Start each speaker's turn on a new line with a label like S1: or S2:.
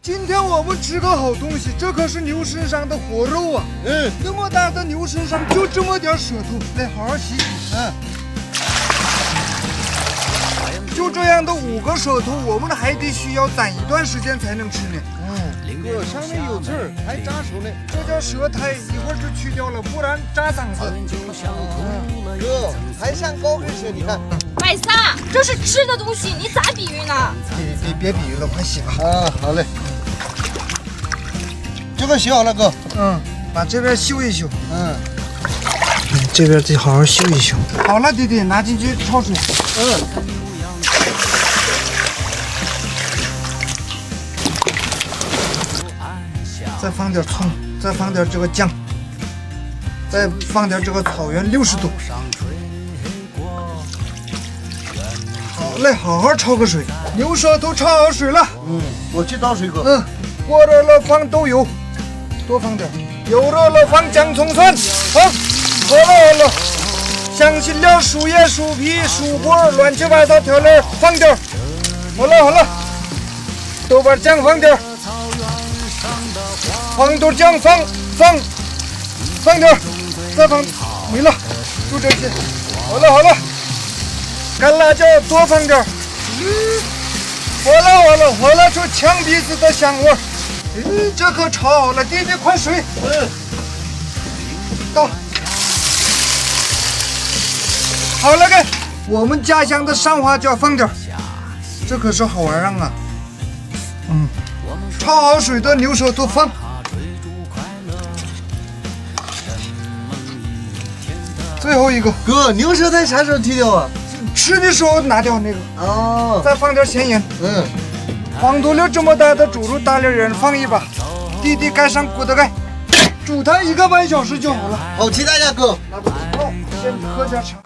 S1: 今天我们吃个好东西，这可是牛身上的活肉啊！那么大的牛身上就这么点舌头，来好好洗洗。就这样的5个舌头，我们还得需要攒一段时间才能吃呢。
S2: 哥，上面有刺儿，还扎手呢。
S1: 这叫舌苔，一会儿就去掉了，不然扎嗓子。
S2: 哥，还像高跟鞋，你看。
S3: 百撒，这是吃的东西，你咋比喻呢？
S1: 别比喻了，快洗吧。
S2: 好嘞。这个洗好了，哥。
S1: 把这边修一修。这边得好好修一修。好了，弟弟，拿进去焯水。再放点葱，再放点这个姜，再放点这个草原60度。好嘞，好好焯个水。牛舌头焯好水了。
S2: 我去倒水，哥。
S1: 锅热了放豆油，多放点。油热了放姜葱蒜。好了。香辛料、树叶、树皮、薯果，乱七八糟调料放点。好了。豆瓣酱放点。黄豆酱放点，再放没了，就这些。好了，干辣椒多放点。好了，出呛鼻子的香味儿。这可炒好了，弟弟快水。倒。好了，给我们家乡的山花椒放点，这可是好玩意儿啊。焯好水的牛舌头放。最后一个，
S2: 哥，牛舌苔啥时候剃掉啊？
S1: 吃的时候拿掉那个。再放点咸盐。黄土溜这么大的猪肉，大连人放一把。弟弟盖上锅的盖，煮它1个半小时就好了。
S2: 好期待呀，哥。
S1: 先喝点茶。